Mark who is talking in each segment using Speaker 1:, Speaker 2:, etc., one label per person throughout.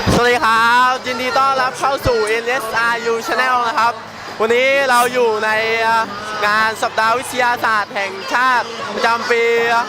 Speaker 1: สวัสดีครับยินดีต้อนรับเข้าสู่ NSRU Channel นะครับวันนี้เราอยู่ในงานสัปดาห์วิทยาศาสตร์แห่งชาติประจำปี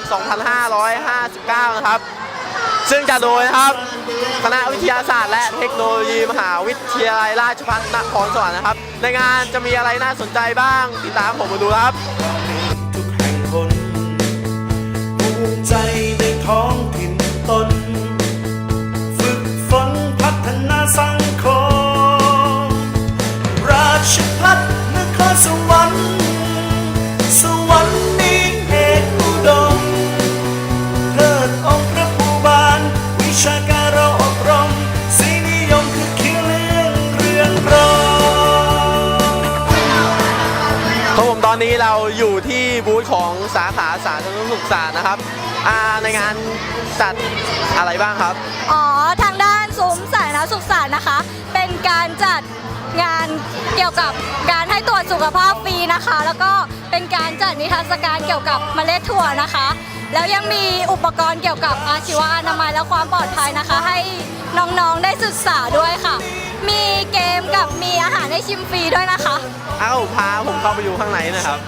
Speaker 1: 2559 นะครับซึ่งจัดโดยนะครับคณะวิทยาศาสตร์และเทคโนโลยีมหาวิทยาลัยราชภัฏนครสวรรค์นะครับในงานจะมีอะไรน่าสนใจบ้างติดตามผมมาดูครับ
Speaker 2: ทุกแห่งหนภูมิใจในท้องถิ่นตนฝึกฝนพัฒนาสังคมราชภัฏนครสวรรค์สวรรค์นี้เอกอุดมเลิศองค์พระภูบาลวิชาการเราอบรมศรีนิยมคือเคียงเรื่องเรืองรอง
Speaker 1: ครับผมตอนนี้เราอยู่ที่บูธของสาขาสาธารณสุขศาสตร์นะครับในงานจัดอะไรบ้างครับ
Speaker 3: ทางด้านซุ้มสาธารณสุขศาสตร์นะคะเป็นการจัดงานเกี่ยวกับการให้ตรวจสุขภาพฟรีนะคะแล้วก็เป็นการจัดนิทรรศการเกี่ยวกับเมล็ดถั่วนะคะแล้วยังมีอุปกรณ์เกี่ยวกับอาชีวะอนามัยและความปลอดภัยนะคะให้น้องๆได้ศึกษาด้วยค่ะมีเกมกับมีอาหารให้ชิมฟรีด้วยนะคะ
Speaker 1: พาผมเข้าไปดูข้างในนะครับ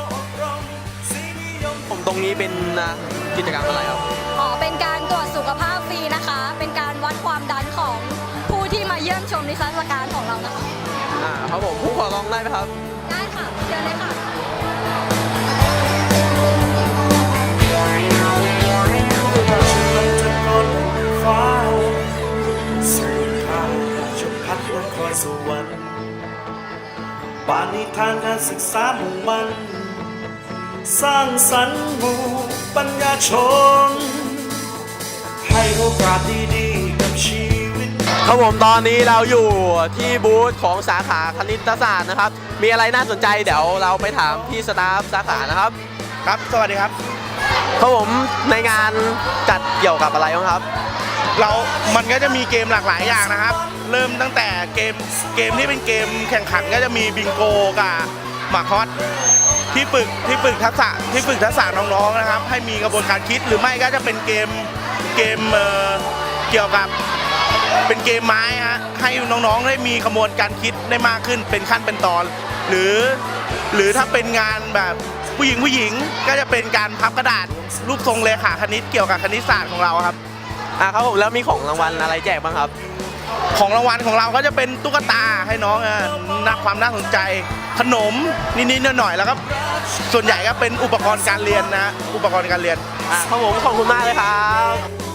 Speaker 1: ผมตรงนี้เป็นกิจกรรมอะไรครับ
Speaker 3: เป็นการตรวจสุขภาพฟรีนะคะเป็นการวัดความดันของผู้ที่มาเยี่ยมชมนิทรรศการของเรานะคะ
Speaker 1: ครับผมผู้ขอลองได้ไหมครับ
Speaker 3: ได้ค่ะเชิญเลยค่ะ
Speaker 2: ฟ้าสู่ทางราชภัฏนครสวรรค์ปาณิธานการศึกษามุ่งมั่นสร้างสรรค์หมู่ปัญญาชนให้โอกาสดีๆกับชีวิต
Speaker 1: ครับผมตอนนี้เราอยู่ที่บูธของสาขาคณิตศาสตร์นะครับมีอะไรน่าสนใจเดี๋ยวเราไปถามพี่สตาฟสาขานะครับ
Speaker 4: ครับสวัสดีครับ
Speaker 1: ครับผมในงานจัดเกี่ยวกับอะไรบ้างครับ
Speaker 4: มันก็จะมีเกมหลากหลายอย่างนะครับเริ่มตั้งแต่เกมที่เป็นเกมแข่งขันก็จะมีบิงโกกับหมากฮอตที่ฝึกทักษะน้องๆนะครับให้มีกระบวนการคิดหรือไม่ก็จะเป็นเกมเกี่ยวกับเป็นเกมไม้ฮะให้น้องๆได้มีกระบวนการคิดได้มากขึ้นเป็นขั้นเป็นตอนหรือถ้าเป็นงานแบบผู้หญิงก็จะเป็นการพับกระดาษรูปทรงเลขาคณิตเกี่ยวกับคณิตศาสตร์ของเราครับ
Speaker 1: ครับผมแล้วมีของรางวัลอะไรแจกบ้างครับ
Speaker 4: ของรางวัลของเราก็จะเป็นตุ๊กตาให้น้องนักความน่าสนใจขนมนิดๆหน่อยๆแล้วก็ส่วนใหญ่ก็เป็นอุปกรณ์การเรียนนะอุปกรณ์การเรียน
Speaker 1: ครับผมขอบคุณมากเลยครับ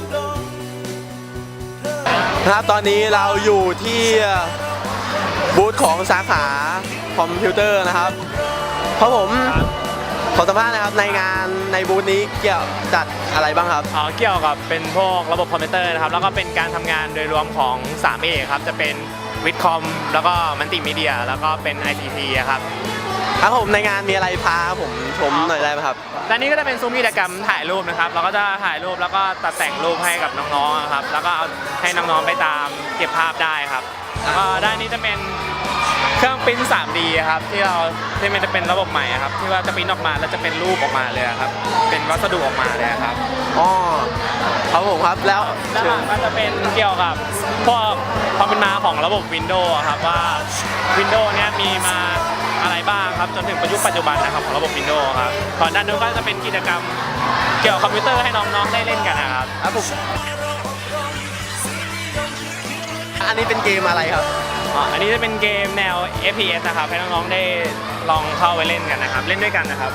Speaker 1: ตอนนี้เราอยู่ที่บูธของสาขาคอมพิวเตอร์นะครับครับผมขอสัมภาษณ์นะครับในงานในบูธนี้เกี่ยวจัดอะไรบ้างครับ
Speaker 5: เกี่ยวกับเป็นพวกระบบคอมพิวเตอร์นะครับแล้วก็เป็นการทำงานโดยรวมของ 3A ครับจะเป็นวิทย์คอมแล้วก็มัลติมีเดียแล้วก็เป็น ICT ครับ
Speaker 1: ครับผมในงานมีอะไรพาผมชมหน่อยได้ไหมครับ
Speaker 5: ด้านนี้ก็จะเป็นซุ้มกิจกรรมถ่ายรูปนะครับเราก็จะถ่ายรูปแล้วก็ตัดแต่งรูปให้กับน้องๆครับแล้วก็เอาให้น้องๆไปตามเก็บภาพได้ครับแล้วก็ด้านนี้จะเป็นเครื่องปริ้น 3D ครับที่มันจะเป็นระบบใหม่ครับที่ว่าจะปริ้นออกมาแล้วจะเป็นรูปออกมาเลยครับเป็นวัสดุออกมาเลยครับ
Speaker 1: ครับผมครับแล้ว
Speaker 5: ด้านหลังก็จะเป็นเกี่ยวกับพวกความเป็นมาของระบบ Windows ครับว่า Windows เนี้ยมีมาอะไรบ้างครับจนถึงปัจจุบันนะครับของระบบ Windows ครับก่อนด้านนู้นก็จะเป็นกิจกรรมเกี่ยวกับคอมพิวเตอร์ให้น้องๆได้เล่นกันนะครับ
Speaker 1: ผมอันนี้เป็นเกมอะไรครับ
Speaker 5: อันนี้จะเป็นเกมแนว FPS นะครับให้น้องๆได้ลองเข้าไปเล่นกันนะครับเล่นด้วยกันนะครับ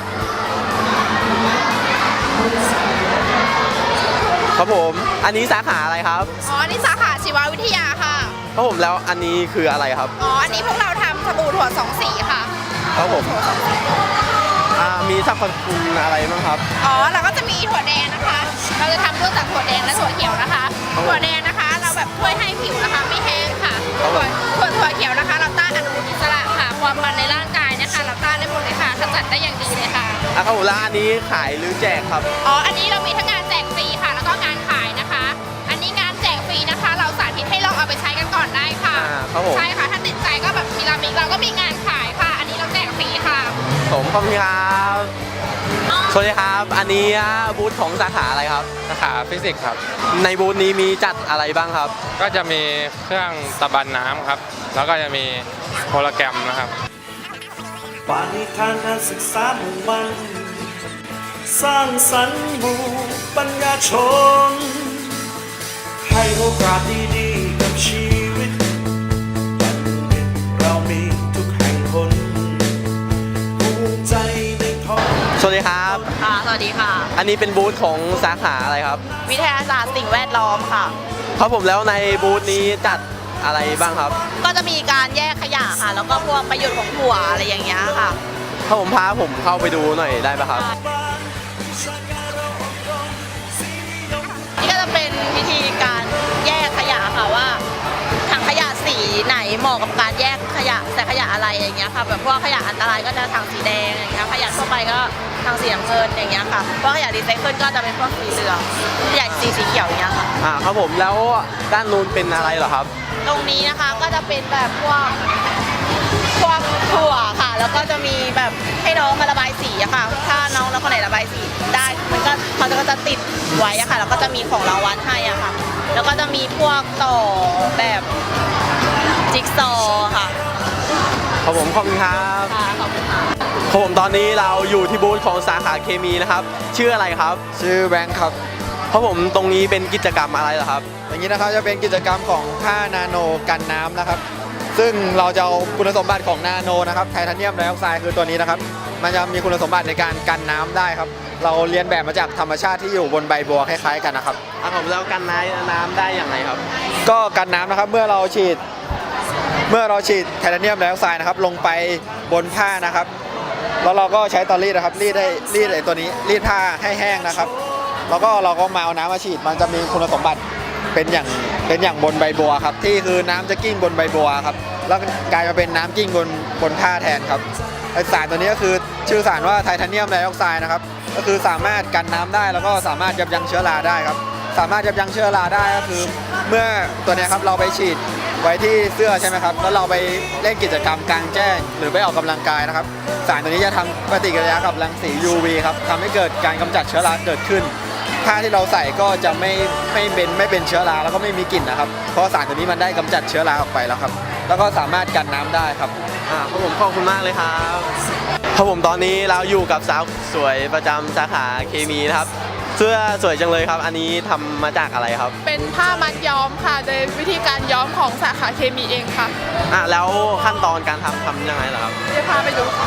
Speaker 1: ครับผมอันนี้สาขาอะไรครับ
Speaker 6: อันนี้สาขาชีววิทยาค่ะ
Speaker 1: ครับผมแล้วอันนี้คืออะไรครับ
Speaker 6: อันนี้พวกเราทำสบู่ถั่ว2 สีค่ะ
Speaker 1: ครับผมมีสรรพคุณอะไรบ้างครับ
Speaker 6: เราก็จะมีถั่วแดงนะคะเราจะทำด้วยจากถั่วแดงและถั่วเขียวนะคะถั่วแดงนะคะเราแบบช่วยให้ผิวนะคะไม่แห้งค่ะถั่วเขียวนะคะเราต้านอนุมูลอิสระค่ะความมันในร่างกายนะคะเราต้านได้หมดเลยค่ะขจัดได้อย่างดีเลยค่ะ
Speaker 1: ครับผมแล้วอันนี้ขายหรือแจกครับ
Speaker 6: อันนี้เรามีทั้งงานแจกฟรีค่ะแล้วก็งานขายนะคะอันนี้งานแจกฟรีนะคะเราสาธิตให้ลองเอาไปใช้กันก่อนได้ค่ะใช่ค่ะถ้าติดใจก็แบบเราก็มีงานขายค่ะอันนี้เราแจกฟรีค่ะ
Speaker 1: ผมขอบคุณครับสวัสดีครับ อันนี้บูธของสาขาอะไรครับ
Speaker 7: สาขาฟิสิกส์ครับ
Speaker 1: ในบูธนี้มีจัดอะไรบ้างครับ
Speaker 7: ก็จะมีเครื่องตะบันน้ำครับ แล้วก็จะมีโฮโลแกรมนะครับ
Speaker 2: ปาณิธานการศึกษามุ่งมั่นสร้างสรรค์หมู่ปัญญาชน ให้โอกาสดีๆกับชีวิตบัณฑิตเรามีทุกแห่งหนภูมิใจในท้อง
Speaker 1: สวัสดีครับ
Speaker 8: ค่ะ สวัสดีค่ะ
Speaker 1: อันนี้เป็นบูธของสาขาอะไรครับ
Speaker 8: วิทยาศาสตร์สิ่งแวดล้อมค่ะ
Speaker 1: ครับผมแล้วในบูธนี้จัดอะไรบ้างครับ
Speaker 8: ก็จะมีการแยกขยะค่ะ แล้วก็พวกประโยชน์ของถั่วอะไรอย่างเงี้ยค่ะ
Speaker 1: ถ้าผมพาผมเข้าไปดูหน่อยได้ปะครับ
Speaker 8: นี่ก็จะเป็นวิธีการแยกขยะค่ะว่าถังขยะสีไหนเหมาะกับการแยกขยะใส่ขยะอะไรอย่างเงี้ยค่ะแบบพวกขยะอันตรายก็จะถังสีแดงอย่างเงี้ยขยะทั่วไปก็ถังสีน้ำเงินอย่างเงี้ยค่ะพวกขยะรีไซเคิลก็จะเป็นพวกสีเหลืองขยะสีเขียวอย่างเงี้ยค่ะ
Speaker 1: ครับผมแล้วด้านนู้นเป็นอะไรเหรอครับ
Speaker 8: ตรงนี้นะคะก็จะเป็นแบบพวกถั่วค่ะ แล้วก็จะมีแบบให้น้องมาระบายสีอะค่ะ ถ้าน้องแล้วคนไหนระบายสีได้มันก็เขาก็จะติดไว้อะค่ะ แล้วก็จะมีของรางวัลให้อะค่ะ แล้วก็จะมีพวกต่อแบบจิ๊กซอว์ค่ะ
Speaker 1: ครับผมขอบคุณครับ
Speaker 8: ค่ะขอบคุณค่ะ
Speaker 1: ครับผมตอนนี้เราอยู่ที่บูธของสาขาเคมีนะครับ ชื่ออะไรครับ
Speaker 9: ชื่อแบงค์ครับ
Speaker 1: ครับผมตรงนี้เป็นกิจกรรมอะไรเหรอครับ
Speaker 9: อย่างนี้นะครับจะเป็นกิจกรรมของผ้านาโนกันน้ำนะครับ ซึ่งเราจะเอาคุณสมบัติของนาโนนะครับไทเทเนียมไดออกไซด์คือตัวนี้นะครับมันจะมีคุณสมบัติในการกันน้ำได้ครับเราเรียนแบบมาจากธรรมชาติที่อยู่บนใบบัวคล้ายๆกันนะครับ
Speaker 1: ผมแล้วกันน้ำได้อย่างไรครับ
Speaker 9: ก็กันน้ำนะครับเมื่อเราฉีดไทเทเนียมไดออกไซด์นะครับลงไปบนผ้านะครับแล้วเราก็ใช้เตารีดนะครับรีดไอ้ตัวนี้รีดผ้าให้แห้งนะครับแล้วก็เราก็มาเอาน้ำมาฉีดมันจะมีคุณสมบัติเป็นอย่างบนใบบัวครับที่คือน้ำจะกิ้งบนใบบัวครับแล้วกลายมาเป็นน้ำกิ้งบนผ้าแทนครับไอสารตัวนี้ก็คือชื่อสารว่าไทเทเนียมไดออกไซด์นะครับก็คือสามารถกันน้ำได้แล้วก็สามารถยับยั้งเชื้อราได้ครับสามารถยับยั้งเชื้อราได้ก็คือเมื่อตัวนี้ครับเราไปฉีดไว้ที่เสื้อใช่ไหมครับแล้วเราไปเล่นกิจกรรมกลางแจ้งหรือไปออกกำลังกายนะครับสารตัวนี้จะทำปฏิกิริยากับรังสี UV ครับทำให้เกิดการกำจัดเชื้อราเกิดขึ้นผ้าที่เราใส่ก็จะไม่เป็นเชื้อราแล้วก็ไม่มีกลิ่นนะครับเพราะสารตัวนี้มันได้กำจัดเชื้อราออกไปแล้วครับแล้วก็สามารถกันน้ำได้ครับ
Speaker 1: ครับผมขอบคุณมากเลยครับครับผมตอนนี้เราอยู่กับสาวสวยประจำสาขาเคมีนะครับเสื้อสวยจังเลยครับ อันนี้ทำมาจากอะไรครับ
Speaker 6: เป็นผ้ามัดย้อมค่ะ โดยวิธีการย้อมของสาขาเคมีเองค่ะ
Speaker 1: แล้วขั้นตอนการทำยังไงเหรอครับ
Speaker 6: เดี๋ยวพาไปดูค่ะ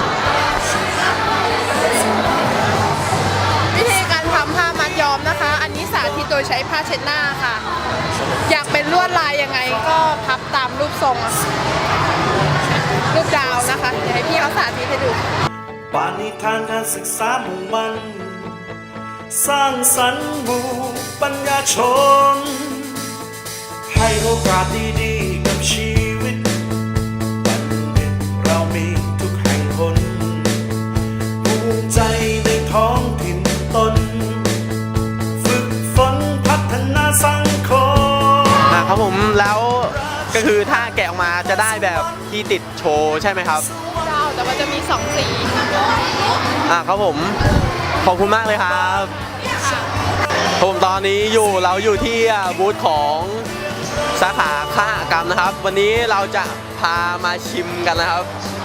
Speaker 6: วิธีการทำผ้ามัดย้อมนะคะ อันนี้สาธิตโดยใช้ผ้าเช็ดหน้าค่ะ อยากเป็นลวดลายยังไงก็พับตามรูปทรงอะค่ะรูปดาวนะคะเดี๋ยวให้พี่เขาสาธิตให้ดู
Speaker 2: ปาณิธานการศึกษามุ่งมั่นสร้างสรรค์หมู่ปัญญาชน ให้โอกาสดีๆกับชีวิตบัณฑิตเรามีทุกแห่งหนภูมิใจในท้องถิ่นตนฝึกฝนพัฒนาสังคม
Speaker 1: ครับผมแล้วก็คือถ้าแกะออกมาจะได้แบบที่ติดโชว์ใช่ไหมครับ
Speaker 6: ดาวแต่ว่าจะมี2สี
Speaker 1: ครับผมขอบคุณมากเลยครับผมตอนนี้เราอยู่ที่บูธของสาขาคหกรรมนะครับ วันนี้เราจะพามาชิมกันนะครับ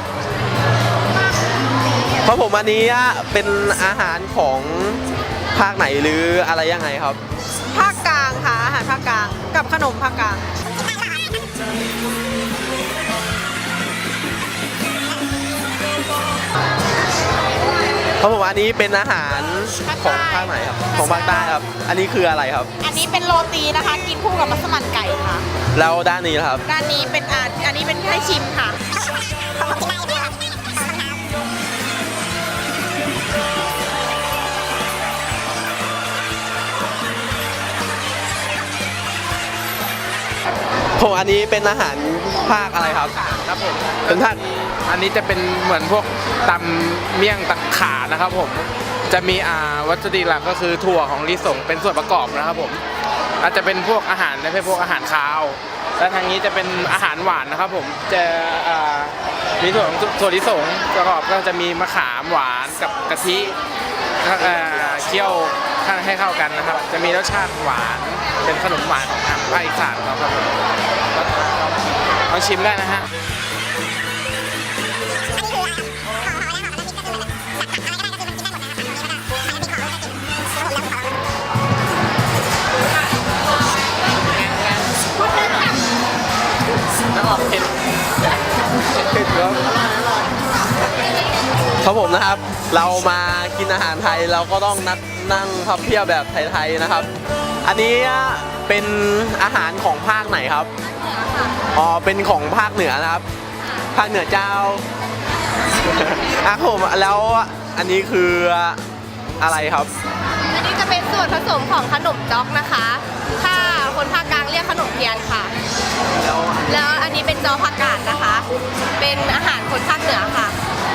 Speaker 1: เพราะผมอันนี้เป็นอาหารของภาคไหนหรืออะไรยังไงครับ
Speaker 8: ภาคกลางค่ะอาหารภาคกลางกับขนมภาคกลาง
Speaker 1: เพราะผมอันนี้เป็นอาหารของภาคไหนครับของภาคใต้ครับ อันนี้คืออะไรครับ
Speaker 8: อันนี้เป็นโรตีนะคะ กินคู่กับมัสมั่นไก่ค่ะ
Speaker 1: แล้วด้านนี้ล่ะครับ
Speaker 8: ด้านนี้เป็นอันนี้เป็นให้ชิมค่ะ
Speaker 1: ผมอันนี้เป็นอาหารภาคอะไรครับ
Speaker 7: ครับผม
Speaker 1: เป็นภาค
Speaker 7: อันนี้จะเป็นเหมือนพวกตำเมี่ยงตะขานะครับผมจะมีวัตถุดิบหลักก็คือถั่วของลิสงเป็นส่วนประกอบนะครับผมอาจจะเป็นพวกอาหารในพวกอาหารคาวและทางนี้จะเป็นอาหารหวานนะครับผมจะมีถั่วลิสงประกอบก็จะมีมะขามหวานกับกะทิเคี่ยวให้เข้ากันนะครับ จะมีรสชาติหวานเป็นขนมหวานของทางภาคอีสานครับผมลองชิมได้นะฮะ
Speaker 1: น้ำออกเผ็ดครับผมนะครับ เรามากินอาหารไทยเราก็ต้องนั่งพับเพียบแบบไทยๆนะครับ อันนี้เป็นอาหารของภาคไหนครับอ๋อเป็นของภาคเหนือนะครับ ภาคเหนือเจ้าครับผมแล้วอันนี้คืออะไรครับ
Speaker 6: อันนี้จะเป็นส่วนผสมของขนมจ๊อกนะคะ ถ้าคนภาคกลางเรียกขนมเทียนค่ะ แล้วอันนี้เป็นจอผักกาดนะคะ เป็นอาหารคนภาคเหนือค่ะ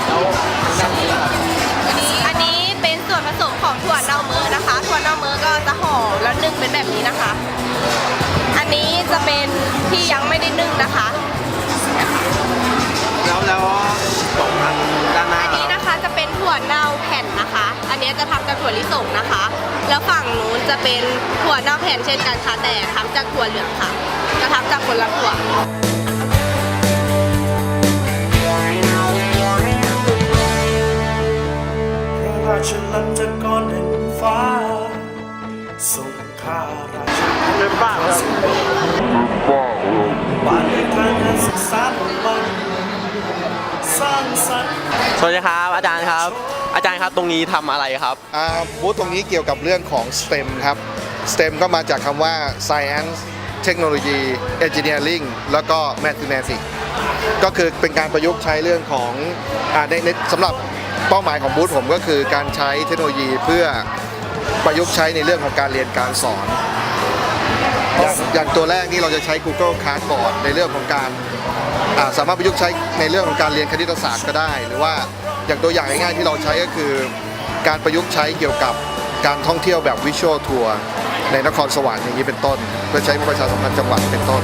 Speaker 6: อันนี้เป็นส่วนผสมของถั่วเน่าเมือนะคะ ถั่วเน่าเมือก็จะห่อแล้วนึ่งเป็นแบบนี้นะคะ อันนี้จะเป็นที่ยังไม่ได้นึ่งนะคะ
Speaker 1: แล้วของอันด้านหน้า
Speaker 6: อันนี้นะคะจะเป็นถั่วเน่าแผ่นนะคะ อันนี้จะทำจากถั่วลิสงนะคะ แล้วฝั่งนู้นจะเป็นถั่วเน่าแผ่นเช่นกันค่ะแต่ทำจากถั่วเหลืองค่ะ จะทำจากคนละถั่ว
Speaker 2: พระราชลันจกรแห่งฟ้าทรงข้าราชเป็นบ้าครับบ้านในทางการศึกษาของมันสร้างสรรค์
Speaker 1: สวัสดีครับอาจารย์ครับ อาจารย์ครับตรงนี้ทำอะไรครับ
Speaker 10: บูธตรงนี้เกี่ยวกับเรื่องของ STEM ครับ STEM ก็มาจากคำว่า Science Technology Engineering แล้วก็ Mathematics ก็คือเป็นการประยุกต์ใช้เรื่องของในสำหรับเป้าหมายของบูธผมก็คือการใช้เทคโนโลยีเพื่อประยุกต์ใช้ในเรื่องของการเรียนการสอน อย่างตัวแรกนี่เราจะใช้ Google Classroom ในเรื่องของการสามารถประยุกต์ใช้ในเรื่องของการเรียนคณิตศาสตร์ก็ได้ หรือว่าอย่างตัวอย่างง่ายๆที่เราใช้ก็คือการประยุกต์ใช้เกี่ยวกับการท่องเที่ยวแบบ Visual Tour ในนครสวรรค์อย่างนี้เป็นต้น เพื่อใช้ประชาสัมพันธ์จังหวัดเป็นต้น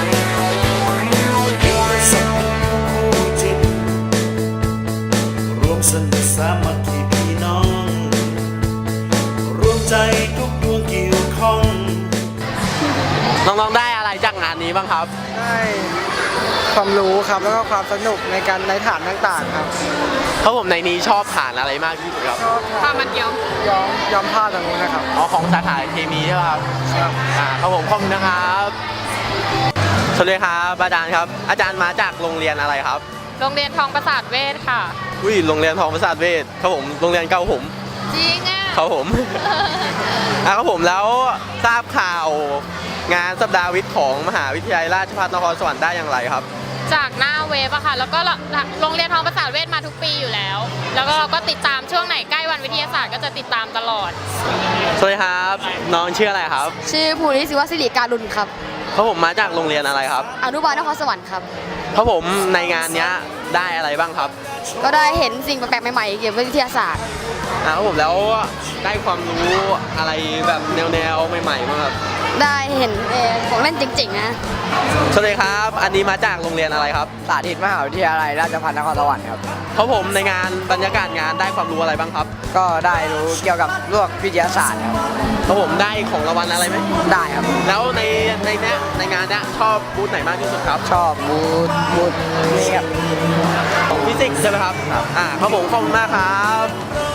Speaker 2: รวมสนุกสามัคคีพี่น้อง รวมใจทุกดวงเกี่ยวข้อง
Speaker 1: น้องๆได้อะไรจากงานนี้บ้างครับ
Speaker 11: ได้ความรู้ครับแล้วก็ความสนุกในการในฐานต่างๆครับ
Speaker 1: ครับผมในนี้ชอบฐานอะไรมากที่สุดครับ
Speaker 6: ผ้ามันเยียวย
Speaker 11: อมผ้าตรงนู้นนะครับ
Speaker 1: อ๋อของสาขาเคมีใช่ไหมครับครับผมขอบคุณนะครับสวัสดีครับอาจารย์ครับ อาจารย์มาจากโรงเรียนอะไรครับ
Speaker 6: โรงเรียนทองประสาทเวชค่ะ
Speaker 1: อุ้ยโรงเรียนทองประสาทเวชครับผมโรงเรียนเก่าผม
Speaker 6: จริงอ่ะ
Speaker 1: ครับผมครับผมแล้วทราบข่าวงานสัปดาห์วิทย์ของมหาวิทยาลัยราชภัฏนครสวรรค์ได้อย่างไรครับ
Speaker 6: จากหน้าเว็บอะค่ะ แล้วก็โรงเรียนทองประสาทเวชมาทุกปีอยู่แล้ว แล้วก็เราก็ติดตามช่วงไหนใกล้วันวิทยาศาสตร์ก็จะติดตามตลอด
Speaker 1: สวัสดีครับน้องชื่ออะไรครับ
Speaker 3: ชื่อภูริศิวศิริการุณครับ
Speaker 1: ครับผมมาจากโรงเรียนอะไรครับ
Speaker 3: อนุบาลนครสวรรค์ครับ
Speaker 1: ครับผมในงานเนี้ยได้อะไรบ้างครับ
Speaker 3: ก็ได้เห็นสิ่งแปลกๆใหม่ๆเกี่ยวกับวิทยาศาสตร์
Speaker 1: ครับผมแล้วได้ความรู้อะไรแบบแนวๆใหม่ๆบ้างครับ
Speaker 3: ได้เห็นของเล่นจริงๆนะ
Speaker 1: สวัสดีครับ อันนี้มาจากโรงเรียนอะไรครับ
Speaker 11: สาธิตมหาวิทยาลัยราชภัฏนครสวรรค์ครับ
Speaker 1: ครับผมในงานบรรยากาศงานได้ความรู้อะไรบ้างครับ
Speaker 11: ก็ได้รู้เกี่ยวกับเรื่องวิทยาศาสตร์ครับ
Speaker 1: ครับผมได้ของรางวัลอะไรไหม
Speaker 11: ได้ครับ
Speaker 1: แล้วในงานเนี้ยชอบบูธไหนมากที่สุดครับ
Speaker 11: ชอบบูธนี่ครับ
Speaker 1: ของฟิสิกส์ใช่ไหมครับครับผมขอบคุณมากครับ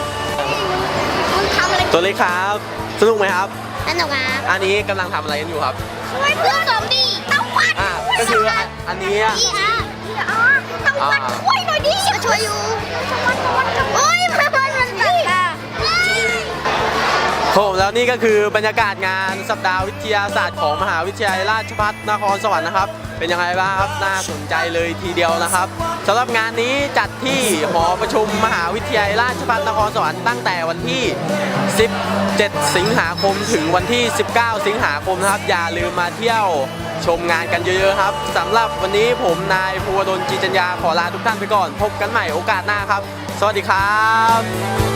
Speaker 1: ตัวเล็กครับสนุกไหมครับ
Speaker 3: สนุกครับ
Speaker 1: อันนี้กำลังทำอะไรกันอยู่ครับ
Speaker 3: ช่วยเพื่อนสมดีต้องวัด
Speaker 1: ก็คืออันนี้
Speaker 3: ต้องวัดช่วยหน่อยดิช่วยอยู่โอ้ยมันตัดค่ะ
Speaker 1: ครับผมแล้วนี่ก็คือบรรยากาศงานสัปดาห์วิทยาศาสตร์ของมหาวิทยาลัยราชภัฏนครสวรรค์นะครับ เป็นยังไงบ้างครับน่าสนใจเลยทีเดียวนะครับสำหรับงานนี้จัดที่หอประชุมมหาวิทยาลัยราชภัฏนครสวรรค์ตั้งแต่วันที่ 17 สิงหาคมถึงวันที่ 19 สิงหาคมนะครับอย่าลืมมาเที่ยวชมงานกันเยอะๆครับสำหรับวันนี้ผมนายภูวดล จีจัญญาขอลาทุกท่านไปก่อนพบกันใหม่โอกาสหน้าครับ สวัสดีครับ